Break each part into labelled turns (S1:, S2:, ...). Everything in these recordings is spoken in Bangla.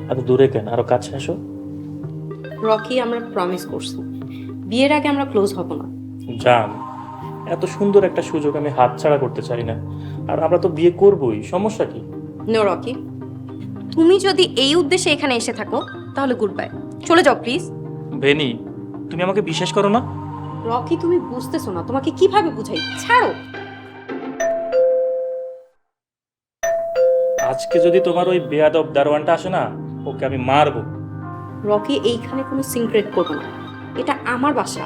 S1: এত দূরে কেন, আরো কাছে আসো।
S2: রকি, আমরা প্রমিস করছি বিয়ের আগে আমরা ক্লোজ হব না।
S1: জান, এত সুন্দর একটা সুযোগ আমি হাতছাড়া করতে চাই না। আর আমরা তো বিয়ে করবোই, সমস্যা কি?
S2: নো রকি, তুমি যদি এই উদ্দেশ্যে এখানে এসে থাকো তাহলে গুড বাই, চলে যাও প্লিজ।
S1: বেনি, তুমি আমাকে বিশ্বাস করো না?
S2: রকি, তুমি বুঝতেছো না, তোমাকে কিভাবে বুঝাই, ছাড়ো।
S1: আজকে যদি তোমার ওই বেয়াদব দারোয়ানটা আসে না, ওকে আমি মারবো।
S2: রকি, এইখানে কোনো সিক্রেট করবো না, এটা আমার বাসা।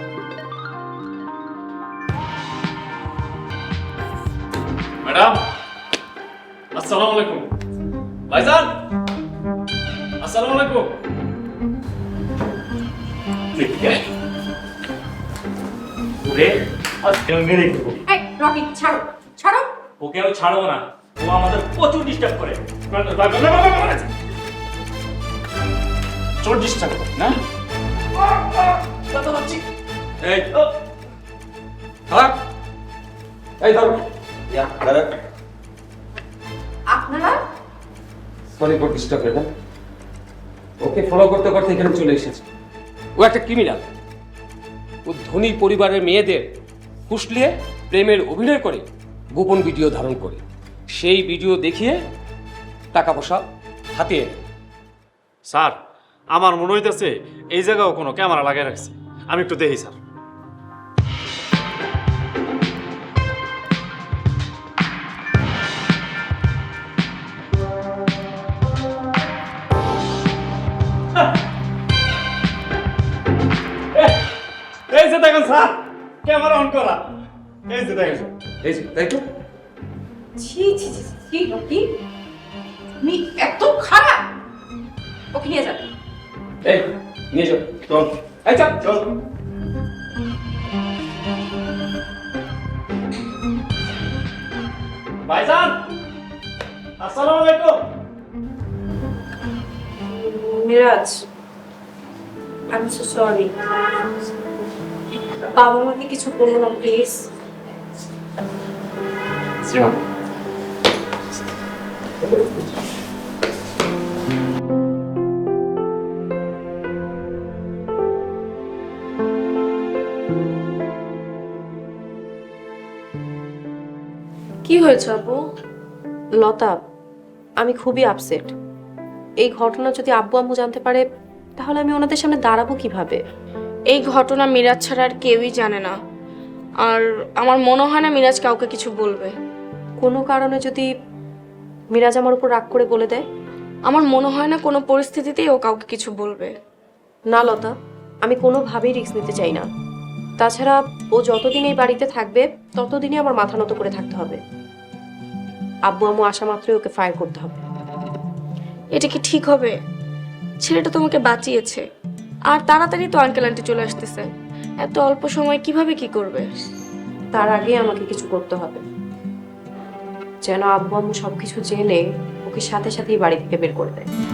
S3: ম্যাডাম, আসসালামু আলাইকুম। ভাইজান, আসসালামু আলাইকুম।
S1: ওরে, আজকে আমি মেরে দেবো।
S2: এই রকি, ছাড়ো ছাড়ো।
S1: ওকে আমি ছাড়বো না, ও আমাদের প্রচুর ডিস্টার্ব করে।
S3: চোর ডিস্টার্ব করো না? এই খারাপ, এই ধরো।
S2: আপনারা
S4: সরি ফর ডিস্টার্ব না। ওকে ফলো করতে করতে এখানে চলে এসেছে। ও একটা ক্রিমিনাল। ও ধনী পরিবারের মেয়েদের ফুসলিয়ে প্রেমের অভিনয় করে গোপন ভিডিও ধারণ করে সেই ভিডিও দেখিয়ে টাকা পয়সা হাতিয়ে নেয়।
S3: স্যার, আমার মনে হইতেছে এই জায়গাও কোনো ক্যামেরা লাগিয়ে রাখছে। আমি একটু দেখি স্যার। এই যে দেখেন স্যার, ক্যামেরা অন করা। এই যে দেখেন।
S4: এই যে তাই তো।
S2: ছি ছি ছি ছি, রকি তুমি এত খারাপ। ওকে নিয়ে যাবে।
S4: এই নিয়ে যাও। চল। এই চল চল।
S3: ভাইজান, আসসালামু আলাইকুম।
S2: Miraj, I am so sorry. বাবা মাকে কিছু বলো না প্লিজ। কি হয়েছে আপু? লতা, আমি খুবই আপসেট। এই ঘটনা যদি আব্বু আম্মু জানতে পারে তাহলে আমি ওনাদের সামনে দাঁড়াবো কিভাবে?
S5: এই ঘটনা মিরাজ ছাড়া আর কেউই জানে না, আর আমার মনে হয় না মিরাজ কাউকে কিছু বলবে।
S2: কোনো কারণে যদি মিরাজ আমার উপর রাগ করে বলে দেয়?
S5: আমার মনে হয় না কোনো পরিস্থিতিতেই ও কাউকে কিছু বলবে।
S2: না লতা, আমি কোনোভাবেই রিস্ক নিতে চাই না। তাছাড়া ও যতদিন এই বাড়িতে থাকবে ততদিনই আমার মাথা নত করে থাকতে হবে। আব্বু আম্মু আসা মাত্রই ওকে ফায়ার করতে হবে।
S5: এটা কি ঠিক হবে? ছেলেটা তোমাকে বাঁচিয়েছে, আর তাড়াতাড়ি তো আঙ্কেল আন্টি চলে আসতেছে। এত অল্প সময় কিভাবে কি করবে?
S2: তার আগে আমাকে কিছু করতে হবে, যেন আব্বু আম্মু সবকিছু জেনে ওকে সাথে সাথেই বাড়ি থেকে বের করে দেয়।